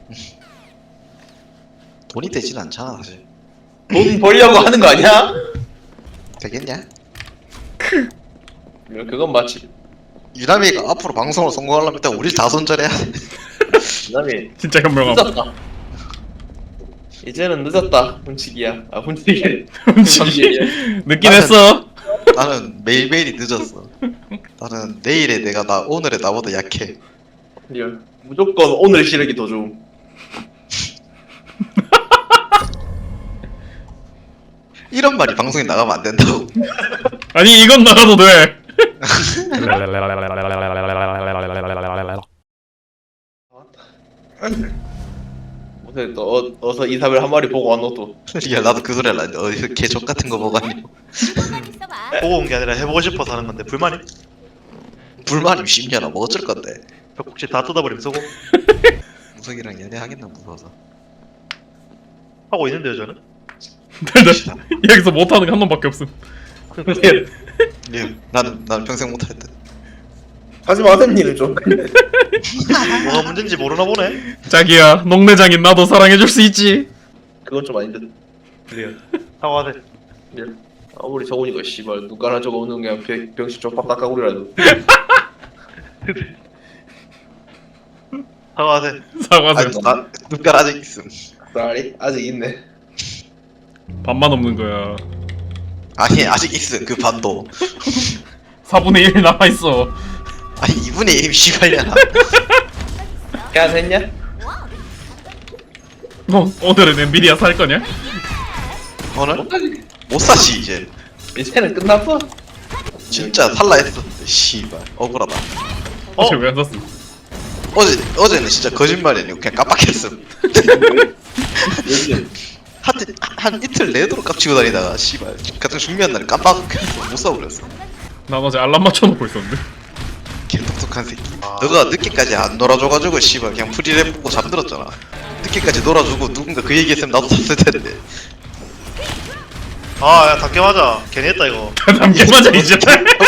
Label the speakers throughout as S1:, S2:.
S1: 돈이 되진 않잖아 사실.
S2: 돈 벌려고 하는 거 아니야?
S1: 되겠냐?
S2: 그건 맞지.
S1: 유남이가 앞으로 방송을 성공하려면 일단 우리 다 손절해야 돼.
S2: 그다음에
S3: 진짜 현명함.
S2: 늦었다. 이제는 늦었다. hun치기야. 아 hun치기.
S3: 훔치기. 늦긴
S1: 나는-
S3: 했어.
S1: 나는 매일매일이 늦었어. 나는 내일에 내가 오늘에 나보다 약해.
S2: 리얼. 무조건 오늘 시력이 더 좋음.
S1: 이런 말이 방송에 나가면 안 된다고.
S3: 아니 이건 나가도 돼.
S2: 무슨 또 어서 이사벨 한 마리 보고 왔노 또.
S1: 야 나도 그 소리 할라. 어디서 개족 같은 거 보고 아니.
S4: 보고 온 게 아니라 해보고 싶어서 하는 건데 불만이?
S1: 불만이 10년아 뭐 어쩔 건데.
S4: 벽국지 다 뜯어버리면 쓰고
S1: 무석이랑 연애하겠나 무서워서.
S4: 하고 있는데요 저는?
S3: 여기서 못하는 게 한 놈밖에 없음.
S1: 예, 나는 평생 못할 듯.
S2: 하지 마세요 니는 좀.
S4: 뭐가 문제인지 모르나 보네.
S3: 자기야, 농내장인 나도 사랑해줄 수 있지.
S2: 그건 좀 아닌데.
S4: 리얼 사과하세.
S2: 리얼. 아무리 적으니까 씨발 눈가라 저거 오는 그냥 병신 쪽밥 닦아구리라도.
S4: 사과하세.
S3: 사과세.
S1: 아니 나 눈깔 아직 있음.
S2: 쌀이 아직 있네.
S3: 반만 없는 거야.
S1: 아니 아직 있음 그 반도.
S3: 4분의 1 남아있어.
S1: 아니 2분의 1이 씨발이야.
S2: 그냥 했냐?
S3: 오늘은 엔비디아 살 거냐?
S1: 오늘
S2: 못하지.
S1: 못 사지 이제.
S2: 이제는 끝났어.
S1: 진짜 살라 했었는데 씨발 억울하다.
S3: 어제 왜 안 샀음?
S1: 어제는 진짜 거짓말이 아니고 그냥 깜빡했음.
S2: 요즘
S1: 한 이틀 내도록 깝치고 다니다가 씨발 같은 중요한 날에 깜빡했어. 못 사버렸어.
S3: 난 어제 알람 맞춰놓고 있었는데.
S1: 개 똑똑한 새끼. 너가 늦게까지 안 놀아줘가지고 씨발 그냥 프리랩 보고 잠들었잖아. 늦게까지 놀아주고 누군가 그 얘기했으면 나도 샀을 텐데.
S4: 아야 닭게 맞아. 괜히 했다 이거.
S3: 담게 맞아 이제.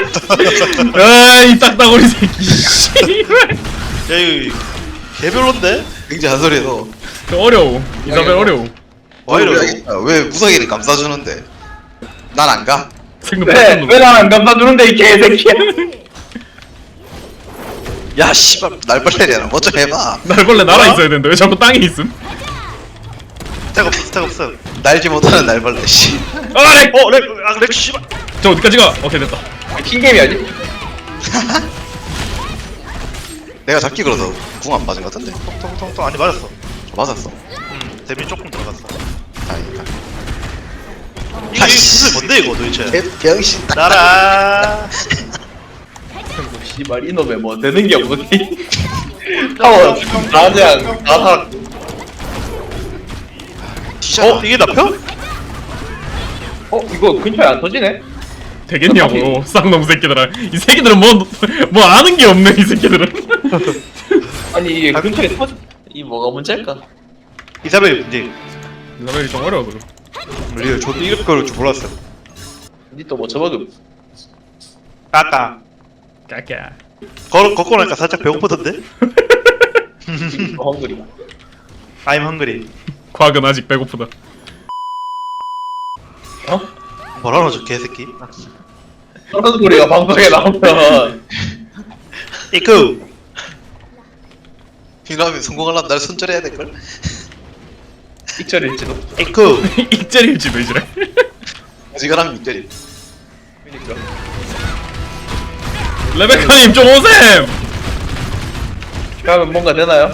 S3: 아이 딱따구리 새끼. 씨발.
S4: 야 이거 개별론데?
S1: 굉장히 한 소리에서
S3: 어려워. 이사벨 어려워.
S4: 와 이러고.
S1: 왜 무석이는 감싸주는데 난 안 가?
S3: 생각
S2: 왜
S3: 못했는데.
S2: 나안 감싸주는데 이 개새끼야.
S1: 야 씨발 날벌레잖아. 뭐 좀 해봐.
S3: 날벌레 날아 있어야 되는데 왜 자꾸 땅에 있음?
S4: 스택 없어 스택 없어.
S1: 날지 못하는 날벌레 씨.
S3: 아 렉!
S4: 렉 씨발.
S3: 저 어디까지 가? 오케이 됐다.
S2: 킹게임이 아니?
S1: 내가 잡기 그래서 궁 안 맞은 것 같은데.
S4: 통통통 아니 맞았어.
S1: 맞았어.
S4: 데미 조금 들어갔어.
S1: 다행이다.
S4: 이게 무슨 뭔데 이거 도대체?
S1: 병신 딱.
S4: 나라.
S2: 씨발 이놈의 뭐 되는 게 없니? 타워 나장 나사.
S1: 티셔츠.
S4: 이게 나표?
S2: 이거 근처에 안 터지네?
S3: 되겠냐고 쌍놈 새끼들아. 이 새끼들은 뭐 아는 게 없네 이 새끼들은.
S2: 아니 이게 근처에 터지. 이 뭐가 문제일까?
S4: 이사벨 문제.
S3: 이사벨이 좀 어려워 그래.
S4: 리얼 저도 이럴 줄 몰랐어.
S2: 니 또 뭐 저버금.
S4: 까까.
S3: 까까.
S4: 걷고 나니까 살짝 배고프던데?
S2: 헝그리.
S4: I'm hungry.
S3: 과학은 아직 배고프다.
S4: 뭐라노 저 개새끼?
S2: 그런 소리가 방송에 나오면
S4: 이쿠.
S1: 이러면 성공하려면 날 손절해야 될걸?
S2: 익절일지도.
S4: 이쿠.
S3: 익절일지도 이제.
S1: 지가라면 밑절이.
S2: 그니까.
S3: 레베카님 좀 오셈.
S2: 그러면 뭔가 되나요?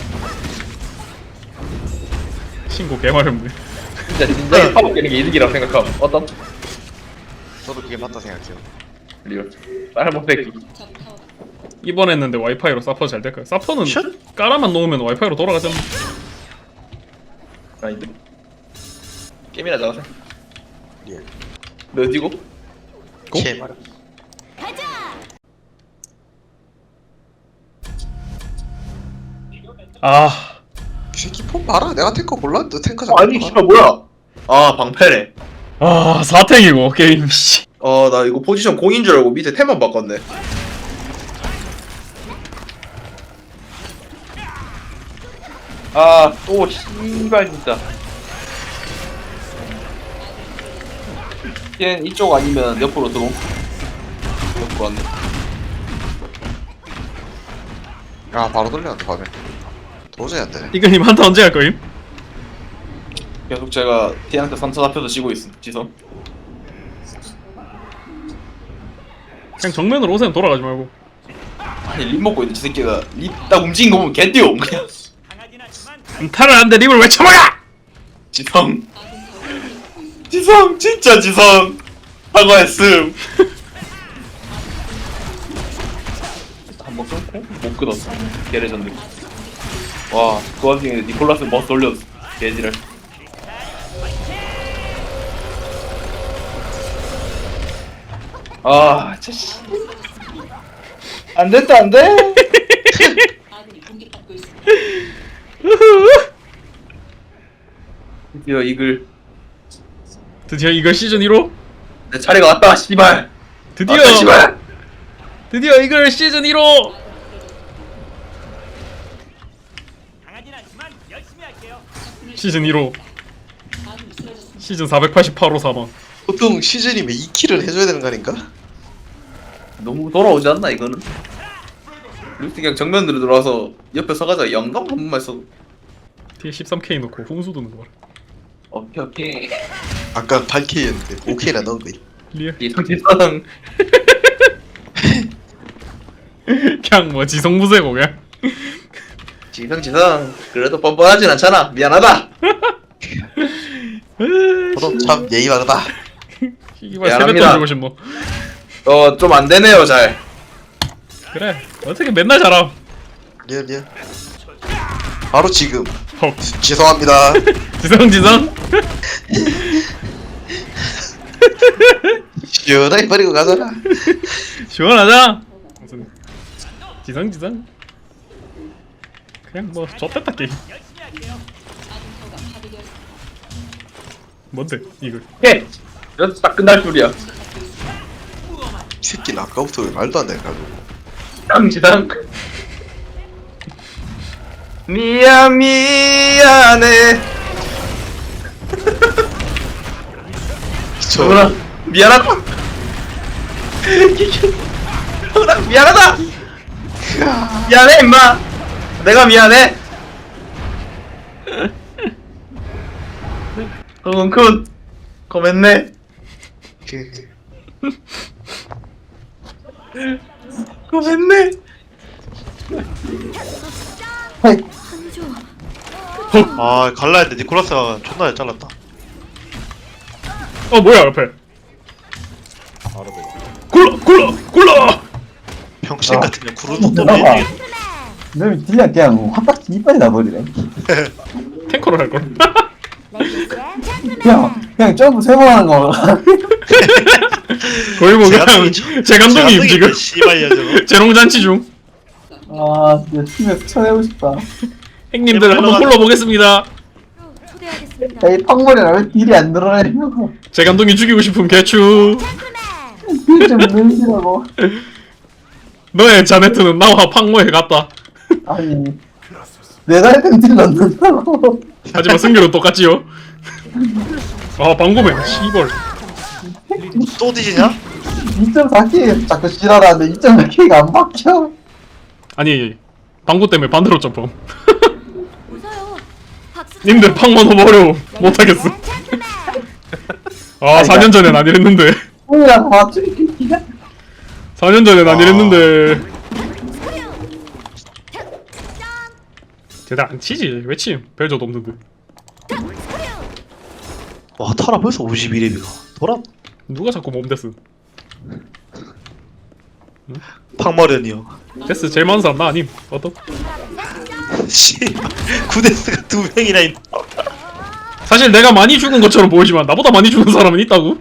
S3: 신고 개마렵네.
S2: 진짜 진작에 파먹기는 게 이득이라고 생각함. 어떤?
S1: 저도 그게 맞다 생각해요.
S2: 리얼. 쌀못 새끼.
S3: 이번 했는데 와이파이로 사퍼 잘 될까요? 사퍼는
S4: 슛?
S3: 깔아만 놓으면 와이파이로 돌아가잖아.
S2: 아닌데. 게임이나 잘하세.
S1: 리얼.
S2: 너 어디고?
S1: 개말.
S3: 아
S1: 이 새끼 폰 봐라. 내가 탱커 골랐는데 탱커 잡아.
S2: 아니 씨발 뭐야? 아 방패래.
S3: 사탱이고 게임 씨.
S2: 나 이거 포지션 공인 줄 알고 밑에 템만 바꿨네. 또 씨발 진짜. 얘 이쪽 아니면 옆으로 들어옴. 옆으로 왔네.
S1: 아 바로 돌려놨다 밤에. 도저히 안 되네.
S3: 이거님 한타 언제 할 거임?
S2: 계속 제가 T한테 3차 잡혀서 지고 있음. 지성.
S3: 그냥 정면으로 오세요. 돌아가지 말고.
S2: 아니 립 먹고 있는 지 새끼가 립 딱 움직인 거 보면 개뛰어 그냥.
S3: 한타를 하는데 립을 왜 쳐먹어!
S2: 지성. 지성 진짜 지성. 사과했음. 한번 끊고 못 끊었어. 개레전드. 와, 그 와중에 니콜라스 머스 올렸어. 개지랄. 아, 진짜. 안 됐다, 안 돼. 드디어 이글.
S3: 드디어 이걸 시즌 1호?
S2: 내 차례가 왔다, 씨발.
S3: 드디어!
S2: 왔다, 씨발.
S3: 드디어 이걸 시즌 1호! 시즌 1호 시즌 488호 사망.
S1: 보통 시즌이면 2킬을 해줘야 되는 거 아닌가?
S2: 너무 돌아오지 않나, 이거는? 루트 그냥 정면으로 들어와서 옆에 서가자. 영감 한 번만 써.
S3: 뒤에 13K 넣고 훈수 두는 거 봐라.
S2: 오케이, 오케이.
S1: 아까 8K였는데 5K나 넣은 거임.
S3: 리얼.
S2: 지성.
S3: 그냥 뭐 지성무쇠고 그냥.
S2: 지성. 그래도 뻔뻔하진 않잖아. 미안하다.
S1: 저도 참 예의 바르다.
S3: 이발
S2: 미안합니다.
S3: 세뱃돈 주고 싶노.
S2: 좀 안 되네요, 잘.
S3: 그래 어떻게 맨날 잘함.
S1: 리얼. 바로 지금.
S3: 헉.
S1: 죄송합니다.
S3: 지성
S1: 시원하게 버리고 가잖아.
S3: 시원하자. 무슨 지성 그냥 뭐 좆됐다 게임. 뭔데 이거.
S2: 해! 이래서 딱 끝날 줄이야.
S1: 이 새끼는 아까부터 왜 말도 안 되가지고.
S2: 지성. 미안해. 정훈아, 미안하다. 정훈아, 미안하다. 미안해, 임마. 내가 미안해. 정훈쿤, 고맙네. 고맙네.
S4: 아 갈라 했는데 니콜라스가 존나 잘 잘랐다.
S3: 뭐야 옆에. 굴러.
S4: 병신 같은 년 구르도 또
S5: 아.
S4: 내리.
S5: 너 딜량 그냥 확딱 이빨이 나버리네.
S3: 탱커를 할 걸.
S5: 그냥 점프 3번 하는 거.
S3: 거의 뭐 그냥
S4: 제감독이죠.
S3: 제 감독님 지금
S4: 씨발이야 저거.
S3: 재롱잔치 중.
S5: 아, 진짜 팀에서 쳐내고 싶다.
S3: 행님들 한번 불러보겠습니다.
S5: 야, 이 팡머리라 왜 딜이 안 늘어나냐고.
S3: 제 감독님 죽이고 싶은 개추.
S5: 딜좀 늘리라고.
S3: 너의 자네트는 나와 팡모에 갔다.
S5: 아니, 내가 했던 딜 넣는다고.
S3: 하지만 승률은 똑같지요. 방금에 씨벌.
S4: 또 뒤지냐?
S5: 2.4K 자꾸 지랄하는데 2.4K가 안 박혀.
S3: 아니 방구 때문에 반대로 점프. 님들 팡모 너무 어려워. 못하겠어. 4년 전엔 안 이랬는데.
S5: 뭐야, 맞추기 기가.
S3: 4년 전엔 안 이랬는데. 제대로 안 치지. 왜 침? 벨저도 없는데.
S4: 와 타라 벌써 51레비가 돌아.
S3: 누가 자꾸 몸데스.
S4: 팡마련이요.
S3: 데스 제일 많은 사람 나 아님. 어떤?
S4: 씨발 구데스가 2명이나 있.
S3: 사실 내가 많이 죽은 것처럼 보이지만 나보다 많이 죽은 사람은 있다고.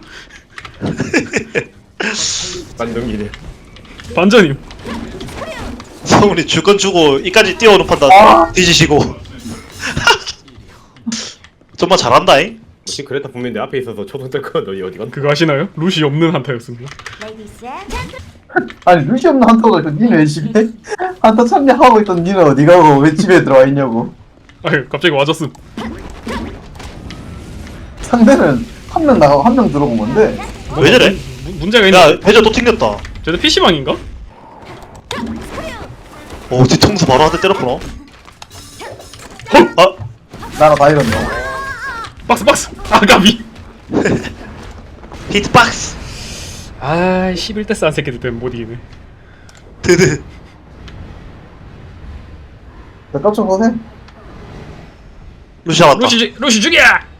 S6: 반동기네.
S3: 반전임.
S4: 성훈이 줄 건 주고 이까지 뛰어오는 판단 뒤지시고. 정말 잘한다잉.
S6: 혹시 그랬다 분명히 내 앞에 있어서 초등 뜰거 너희 어디 갔나?
S3: 그거 아시나요? 루시 없는 한타였습니다.
S5: 아니, 루시 없는 한타가 있던 니는 왜 집에? 한타 참여하고 있던 니는 어디 가고 왜 집에 들어와 있냐고.
S3: 아유 갑자기 와줬음.
S5: 상대는 한 명 나가고 한 명 들어오고 뭔데?
S4: 왜 저래?
S3: 문제가 있네.
S4: 야 배저 또 튕겼다.
S3: 쟤도 PC방인가?
S4: 오 뒤통수 바로 한 대 때렸구나. 아
S5: 나라 다 이런다.
S3: 박스 아가비.
S4: 히트박스.
S3: 아 11대 싼 새끼들 때문에 못 이기네.
S4: 드드.
S5: 나 깜짝 놀래?
S4: 루시아 왔다.
S3: 루시 죽여!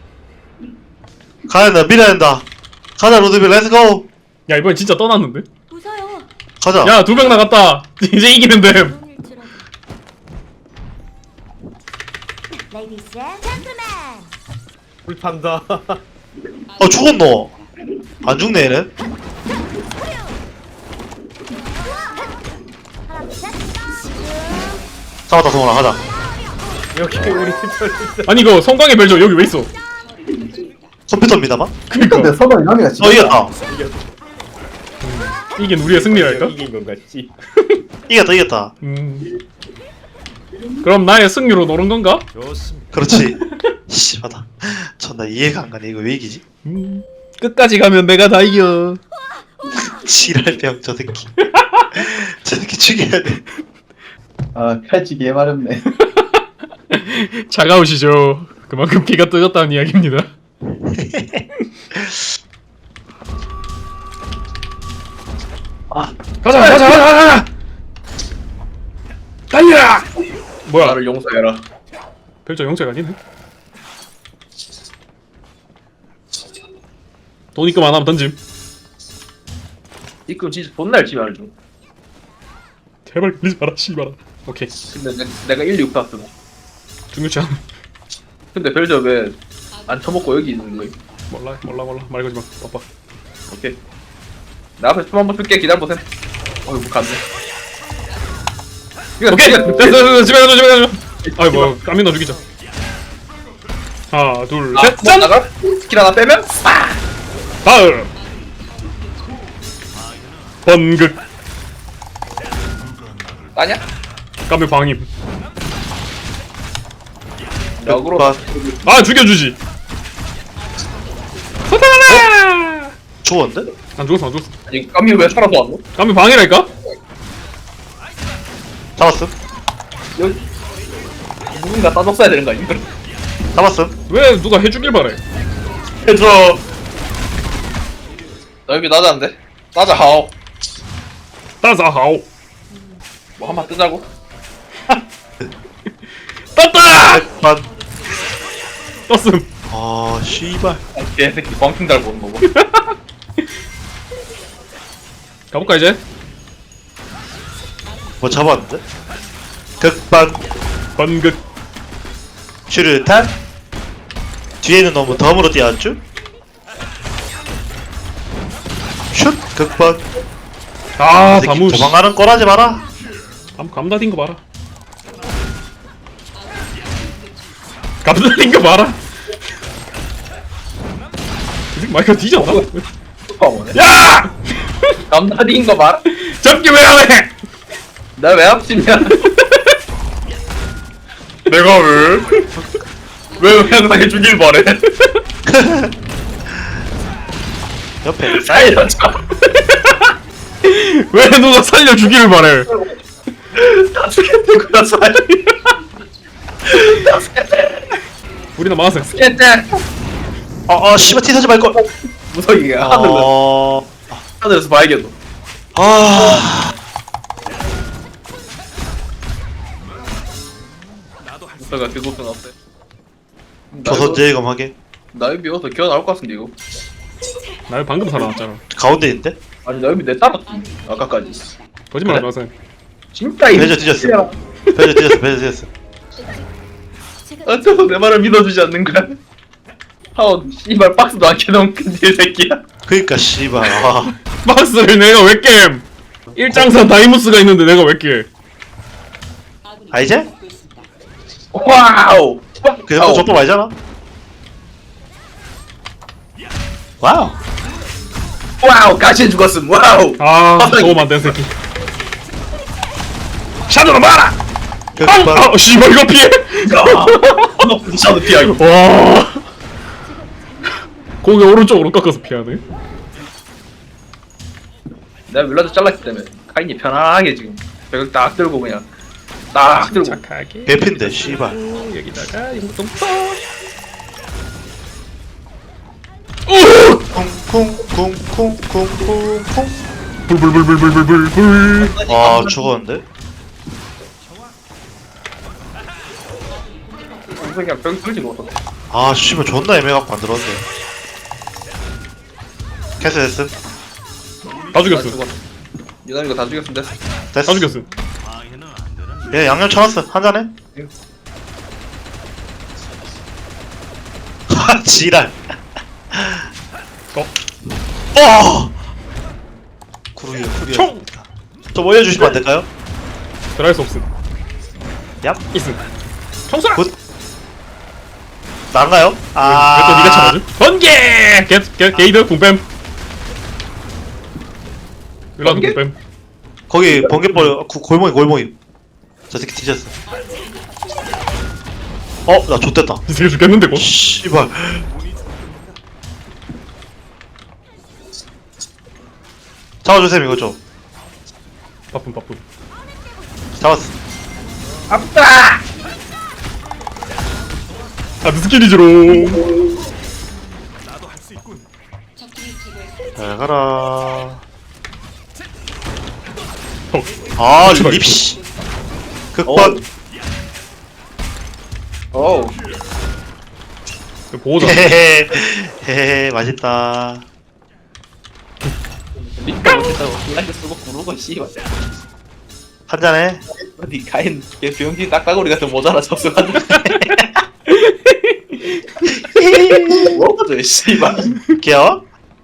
S4: 가야 된다 밀어야 된다. 가자 로드빌 렛츠고.
S3: 야 이번엔 진짜 떠났는데?
S7: 웃어요.
S4: 가자.
S3: 야 2명 나갔다. 이제 이기면 됨.
S7: 오늘 줄어도. Ladies and gentlemen.
S6: 불판다.
S4: 죽었노. 안 죽네 얘는.
S7: 하나, 둘, 셋.
S4: 잡았다 성훈아 가자.
S6: 여기 우리 진짜.
S3: 아니 이거 성광의 벨저 여기 왜 있어?
S4: 컴퓨터입니다만.
S5: 근데 서버 이남이가 진짜.
S4: 이겼다.
S3: 이게 우리의 승리랄까?
S6: 이긴 건가 씨.
S4: 이겼다.
S3: 그럼 나의 승리로 노는 건가?
S4: 그렇지. 씨발다. 전나 이해가 안 가네. 이거 왜 이기지?
S3: 끝까지 가면 내가 다 이겨.
S4: 지랄병 저 새끼. 저 새끼 죽여야 돼.
S5: 아 칼치기 해마렵네.
S3: 차가우시죠. 그만큼 피가 뜨겁다는 이야기입니다. 가자! 달려! 뭐야?
S2: 나를 용서해라.
S3: 별저 영재가 아니네. 돈 입금 안 하면 던짐.
S2: 이끔 진짜 존나 열심히 하는 중.
S3: 제발 걸리지 마라 씨발아. 오케이.
S2: 근데 내가 1, 6 땄어.
S3: 중요치 않아.
S2: 근데 벨저 왜 안 쳐먹고 여기 있는 거야?
S3: 몰라 말 걸지 마. 바빠.
S2: 오케이. 나 앞에 춤 한번 출게 기다려보셈. 어이구 갔네.
S3: 오케이 됐어 집에 가자. 아이 뭐 까미나 죽이자. 하나 둘 셋. 짠.
S2: 나가 스킬 하나 빼면
S3: 다음 번극
S2: 따냐?
S3: 까미 방임.
S2: 역으로
S3: 아 죽여주지. 소탈하라.
S4: 죽었는데?
S3: 안 죽었어.
S2: 아니 까미 왜 살아서 왔노?
S3: 까미 방이랄까?
S4: 잡았음.
S2: 여기 누군가 따졌어야 되는 거 아닌가?
S4: 잡았음.
S3: 왜 누가 해주길 바래?
S4: 해줘.
S2: 나 여기 나자는데? 나자 하오.
S3: 따사하오.
S2: 뭐 한번 뜨자고?
S3: 떴다.
S4: 만.
S3: 떴음.
S4: 아 씨발.
S2: 아, 개새끼 광킹 잘 보는 거고.
S3: 가볼까 이제?
S4: 뭐 잡았는데? 극반.
S3: 번극.
S4: 슈르탄. 뒤에는 너무 덤으로 뛰어왔죠? 슛 극반.
S3: 아
S4: 새끼
S3: 다무.
S4: 도망가는 꼴하지 마라.
S3: 감다딘 거 봐라. 감다딘 거 봐라. 이 마이크가 뒤졌나?
S2: 슈퍼머네.
S3: 야!
S2: 남다리인 거 봐라.
S3: 잡기 왜 안 해?
S2: 나 왜 합심이야?
S3: 내가 왜? 왜 항상 해주길 바래?
S4: 옆에
S2: 살려줘.
S3: 왜 누가 살려주기를 바래?
S2: 다 죽겠다고 살.
S3: 우리나 망했어.
S2: 깼대.
S4: 씨발 티사지 말걸.
S2: 무석이가 하늘에서 봐야겠노. 무석아 그곳은 어때?
S4: 조선 제이검 하게.
S2: 나이 비워서 기어 나올 것 같은데 이거.
S3: 나 방금 살아났잖아.
S4: 가운데 있는데?
S2: 아니 나이 내 따랐지 아까까지.
S3: 거짓말 하지 마세요.
S2: 진짜 이
S4: 배저 뒤졌어. 배저 뒤졌어.
S2: 어째서 내 말을 믿어주지 않는 거야? 하우 씨발 박스도 안 켜놓은 큰일 새끼야.
S4: 그니까 씨발. 아.
S3: 박스를 내가 왜 깨? 일장산 다이무스가 있는데 내가 왜 깨?
S4: 아 이제?
S2: 와우.
S4: 그 정도 저도 말잖아. 와우.
S2: 와우 가시에 죽었음. 와우.
S3: 아 도움 안 된 새끼. 샤도로 봐라.
S4: 극반
S3: 아 씨발 이거 피해.
S2: 샤도 피하기.
S3: 와. 고개 오른쪽으로 꺾어서 피하네.
S2: 내가 윌라드 잘랐기 때문에 카인이 편하게 지금 벽을 딱 들고 그냥 딱 들고.
S3: 착하게.
S4: 개핀데 씨발
S3: 여기다가 이동통.
S4: 쿵쿵쿵쿵쿵쿵쿵
S3: 불불불불불불불불.
S4: 아 죽었는데?
S2: 그냥 벽 뚫지 못했어.
S4: 아 씨발 존나 애매갖고 만들었네 캐스됐음
S3: 다 죽였어.
S2: 유난이가 다 죽였으면 됐어.
S3: 다
S4: 됐어
S3: 죽였어.
S4: 얘 양념 쳐놨어 한잔해 하 지랄 구루야
S3: 총!
S4: 좀 올려주시면 안될까요?
S3: 들어갈 수 없음.
S4: 얍
S3: 있음. 청소라.
S4: 굿. 나인가요?
S3: 왜 또 네가 참아줘? 번개! 게이드 궁뱀. 일라드
S2: 번개?
S3: 궁뱀.
S4: 거기 번개벌 골목이 저 새끼 뒤졌어 나 좆됐다
S3: 이 새끼 죽겠는데 곧.
S4: 씨발 잡아주세요 이거 좀
S3: 바쁨.
S4: 잡았어
S2: 아프다.
S3: 아드 스킬이지롱.
S4: 잘 가라
S3: 턱.
S4: 아
S3: 제발.
S4: 립씨 극반
S2: 어우.
S3: 보호자.
S4: 헤헤헤 맛있다
S2: 니가 못했다고 유난이 쓰고 구르고 씨발.
S4: 한잔해
S2: 어디 카인 걔 병신 딱따구리 같은 모자라 접수하는데. 뭐가져 씨발.
S4: 귀여워?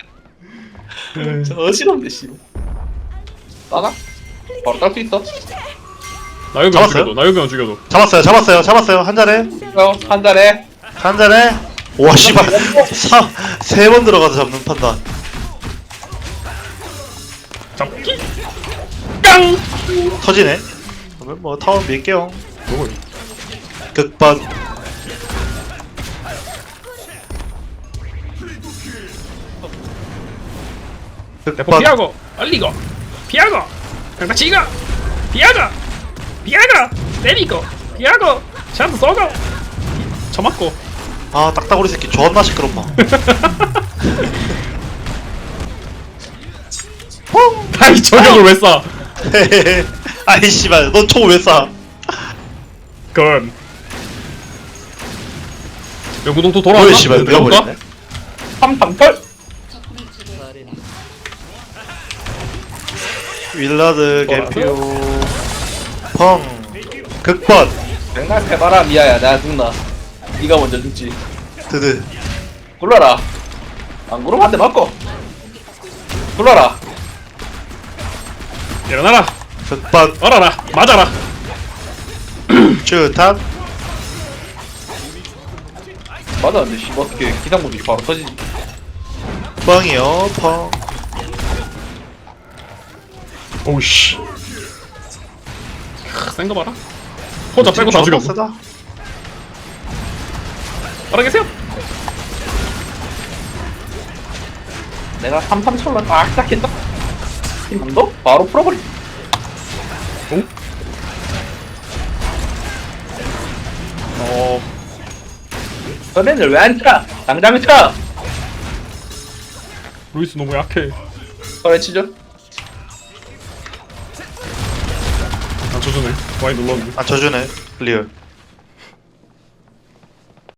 S2: 저 어지럽네 씨발. 따나? 바로 딸 수 있어?
S3: 나유병
S4: 잡았어요?
S3: 죽여도. 나유병 죽여도.
S4: 잡았어요 한잔해
S2: 한 달에.
S4: 한잔해 와 씨발 3번 들어가서 잡는 판단
S3: 잡기. 깡.
S4: 터지네 그러면 뭐 타운 밀게요
S3: 뭐고?
S4: 극반
S3: 대포
S4: 극반
S3: 피하고 얼리고 피하고 강타치고 피하고 때리고 피하고 샷도 쏘고 쳐맞고.
S4: 아 딱따구리 새끼 존나 시끄럽마
S3: 아이 저격을 왜 쏴?
S4: 헤헤헤 아이 씨발 넌 총을 왜 쏴?
S3: 건. 영구동 또 돌아왔나?
S4: 뭐야 씨발 밀어버리네
S2: 338.
S4: 윌라드 개피오 펑 극반
S2: 백날 해봐라 미아야. 내가 죽나. 네가 먼저 죽지.
S4: 드드
S2: 굴러라. 안 굴러면 한 대 맞고. 굴러라.
S3: 일어나라.
S4: 극반
S3: 얼어라. 맞아라.
S4: 쭈탄
S2: 맞았는데 씨 어떻게 기상무들이 바로 터지지?
S4: 뻥이요 펑
S3: 오우씨. 센거 봐라. 혼자 빼고 다 죽였어.
S4: 세다.
S3: 알아계세요?
S2: 내가 3-3철로 딱딱 했다. 힘도 바로 풀어버리. 전에는 왜 안 차? 당장 차!
S3: 루이스 너무 약해.
S2: 그래 치죠?
S3: 안 쳐주네. 많이 눌렀는데.
S4: 아 저주네 리얼